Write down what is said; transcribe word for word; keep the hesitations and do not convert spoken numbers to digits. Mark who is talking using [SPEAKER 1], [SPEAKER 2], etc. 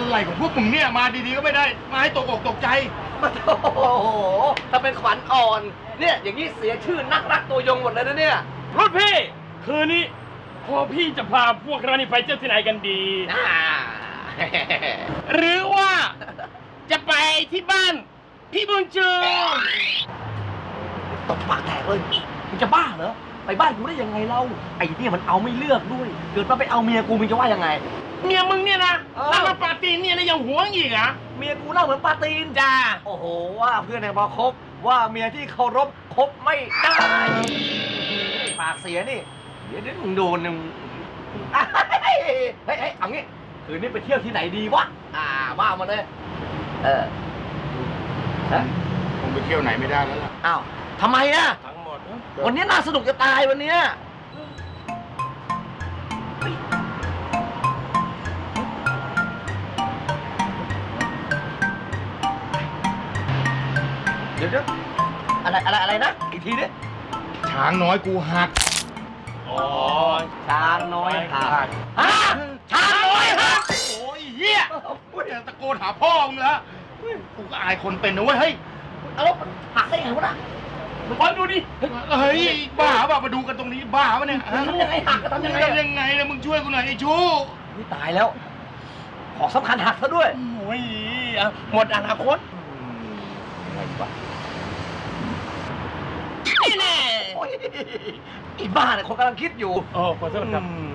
[SPEAKER 1] อะไรของพวกมึงเนี่ยมาดีๆก็ไม่ได้มาให้ตกอกตกใจ
[SPEAKER 2] โอ้โหถ้าเป็นขวัญอ่อนเนี่ยอย่างนี้เสียชื่อนักรักตัวยงหมดเลยนะเนี่ย
[SPEAKER 3] รุ่นพี่คืนนี้พอพี่จะพาพวกเรานี่ไปเที่ยวที่ไหนกันดีหรือว่าจะไปที่บ้านพี่บุญจู
[SPEAKER 2] ตบปากแตกเลยมึงจะบ้าเหรอไปบ้านกูได้ยังไงเล่าไอ้เนี่ยมันเอาไม่เลือกด้วยเกิดมาไปเอาเมียกูมึงจะว่ายังไง
[SPEAKER 3] เมียมึงเนี่ยนะแล้วมาปาตีนเนี่ยนะยังหวงอีกอ่ะ
[SPEAKER 2] เมียกูเล่าเหมือนปาตีนจ้าโอ้โหว่าเพื่อนในบอคบว่าเมียที่เคารพคบไม่ได้ปากเสียนี่เดี๋ยวเดี๋ยวมึงโดนมึงเฮ้ยเฮ้ยเอางี้คืนนี้ไปเที่ยวที่ไหนดีวะอ่าว่ามาเลยเออฮะ
[SPEAKER 1] คงไปเที่ยวไหนไม่ได้แล้วล่ะ
[SPEAKER 2] อ้าวทำไมอ่ะ
[SPEAKER 1] ทั้งหมด
[SPEAKER 2] วันนี้น่าสนุกจะตายวันนี้เดี๋ยวเดี๋ยวอะไรอะไรอะไรนะอีกทีดิ
[SPEAKER 1] ช้างน้อยกูหัก
[SPEAKER 3] อ๋อ
[SPEAKER 2] ช้างน้อยหักฮะช้างน้อยหัก
[SPEAKER 1] โอ้ยเฮียกูเดี๋ยวตะโกนหาพ่อมึงแล้วกูก็อายคนเป็นนะเว้ยเฮ้ย
[SPEAKER 2] เอาหักได้ไงวะน่ะ
[SPEAKER 3] มึงคอยดูดิ
[SPEAKER 1] เฮ้ยบ้าป่ะมาดูกันตรงนี้บ้าป่ะเนี่ย
[SPEAKER 2] ทำยังไงหักทำยังไง
[SPEAKER 1] ทำยังไงเนี่ยมึงช่วยกูหน่อยไอ้ชู
[SPEAKER 2] นี่ตายแล้วของสำคัญหักซะด้วย
[SPEAKER 3] โอ้ยหมดอนาคต
[SPEAKER 2] ยังไงดีวะ
[SPEAKER 3] นี่แน่
[SPEAKER 2] อีบ้าเนี่ยคนกำลังคิดอยู่
[SPEAKER 3] โอ้ขอโทษครับ